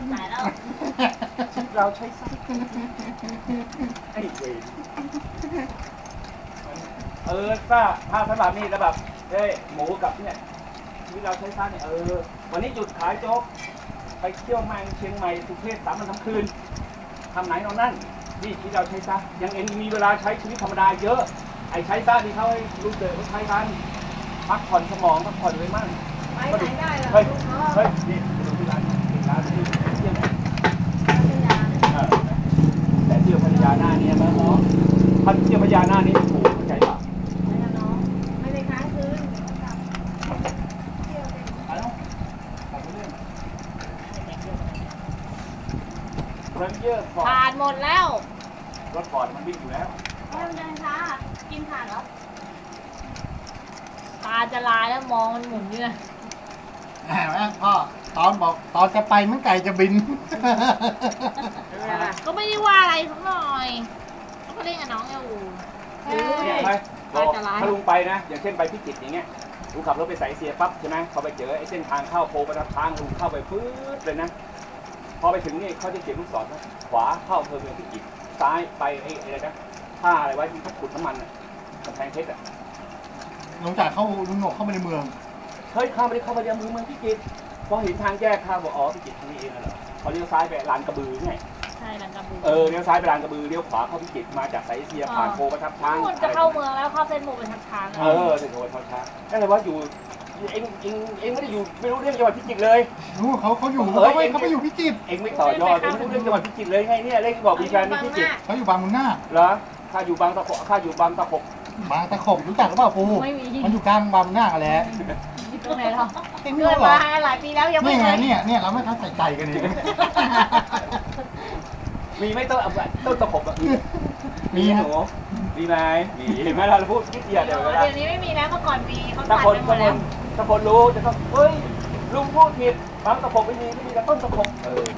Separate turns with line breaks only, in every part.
ตายแล้ว
เราใช้ไส้ไอ้เวรถ้าสำหรับนี่แล้วแบบหมูกับเนี่ยที่เราใช้ไส้เนี่ยวันนี้หยุดขายโจ๊กไปเที่ยวแมงเชียงใหม่สุเทพ3 วัน 3 คืนทำไหนนอนนั่นนี่ที่เราใช้ไส้ยังเองมีเวลาใช้ชีวิตธรรมดาเยอะไอ้ใช้ไส้ที่เขาให้ลูกเด็กเขาใช้กันพักผ่อนสมองพักผ่อนเลยมั่ง
ไปไหนได้ล่ะ
เฮ้ยนี่ดูที่ร้านที่เที่ยวแต่เที่ยวพัทยาหน้านี้นะน้องพัทเที่ยวพัทยาหน้านี้ถูกเข้าใจป่ะ
ไม่ละน้องไม่ได้ค้างคืนเที่ยวเป็น
ผ่านหมดแล้ว
รถฟอร์ดมันวิ่งอยู่แล้ว
เดินช้ากินผ่านแล้ว
ตาจะลายแล้วมองมันหมุนอยู่นะ
พ่อตอนจะไปมันไก่จะบิน
ก็ไม่ได้ว่าอะไรสักหน่อยก็เล่นกับน้องอยู่
เนี่ยไปถ้าลุงไปนะอย่างเช่นไปพิจิตรอย่างเงี้ยลุงขับรถไปสายเสียปั๊บใช่ไหมพอไปเจอไอ้เส้นทางเข้าโพประทับทางลุงเข้าไปปื๊ดเลยนะพอไปถึงนี่เขาจะเขียนลูกศรนะขวาเข้าอำเภอเมืองพิจิตรซ้ายไปไอ้อะไรนะท่าอะไรไว้ที่เขาขุดน้ำมันกำแพงเพชร
หลังจากลุงหนกเข้าไปในเมือง
เฮ้ยเข้าไปในเมืองพิจิตรพอเห็นทางแยกข้าวบอกอ๋อพิจิตรทางนี้เองเหรอพอเลี้ยวซ้ายไปลานกระบือไง
ใช่ลานกระบือ
เลี้ยวซ้ายไปลานกระบือเลี้ยวขวาเข้าพิจิตรมาจากสายเอเชียผ่านโพประทับช้าง
จะเข้าเมืองแล้วเข้าเส้นโพประทับช้าง
เส้นโพประทับช้างนั่นเลยว่าอยู่เองไม่ได้อยู่ไม่รู้เรื่องจังหวัดพิจิตรเลย
รู้เขาอยู่เขาไปอยู่พิจิตร
เองไม่ต่อยอดไม่รู้เรื่องจังหวัดพิจิตรเลยไงเนี่ยเล่นบอกมีแฟนพิจิตร
เขาอยู่บางมุนนา
เหรอข้าอยู่บางตะขบรู้จักหรือเปล่าปูมันอยู่กลางบางมุนนาอะไร
ตรงไหนเรา
เกิด
มาหลายปีแล้วยังไม่
เคยเนี่ยเราไม่ทันใส่ใจกันเลย
มีไม่ต้นตะขบมีหนูมีไหมมีเห็นไหมเราพูดคิดเดียวเดี๋ยว
นี้ไม่มีแล้วเมื่อก่อนมีเขา
ตัดไปหมดแล้วถ้าคนรู้จะต้องเฮ้ยลุงพูดผิดบางตะขบไม่มีแต่ต้นตะขบ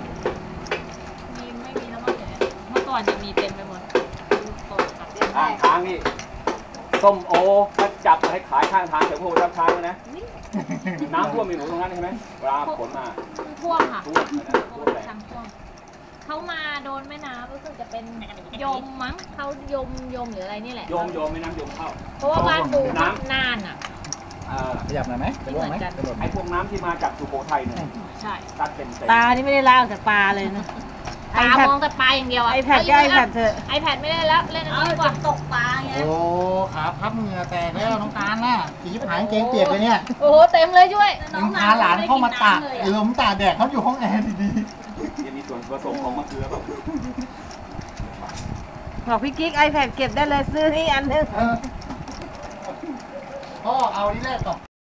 ไม่มีแล้วเมื่อก่อนจะมีเต็มไปหมด
ทางนี่ส้มโอถ้าจับให้ขายข้างทางแถวพวกรับช้างนะน้ำท่วมมีหนูตรงนั้นใช่ไหมเวลาฝนมา
ท่วมค่ะท่วมเขามาโดนแม่น้ำรู้สึกจะเป็นยมมั้งเขายมหรืออะไรนี่แหละ
ยมแม่น้ำยมเข้า
เพราะว่าบ้านปูน้ำนานอ่ะ
ขยับหน่อยไหม
ไม่เหมือนกัน
ไอ้พวกน้ำที่มาจากสุโขทัยเนี่ย
ใช่
ตัดเป็น
ปลานี่ไม่ได้ล่าจากปลาเลยนะปลามองแต่ปลาอย่างเดียว
ไอแพดก็ไอแพดเถอะ
ไอแพดไม่ได้แล้วเล่นอะไรกว่า
ตกปลาไง
โอ้ขาพับเหงื่อแตกแล้วน้องตาลน่ะสีผายเกงเปียกเลยเนี่ย
โอ้โหเต็มเลยช่วย
น้องพาหลานเข้ามาตากล้มตาแดดเขาอยู่ห้องแอร์ดี
ๆจะมีส่วนผสมของมะเขือแบบ
บอกพี่กิ๊กไอแพดเก็บได้เลยซื้อนี่อันนึง
พ่อเอาที่แรกก่อน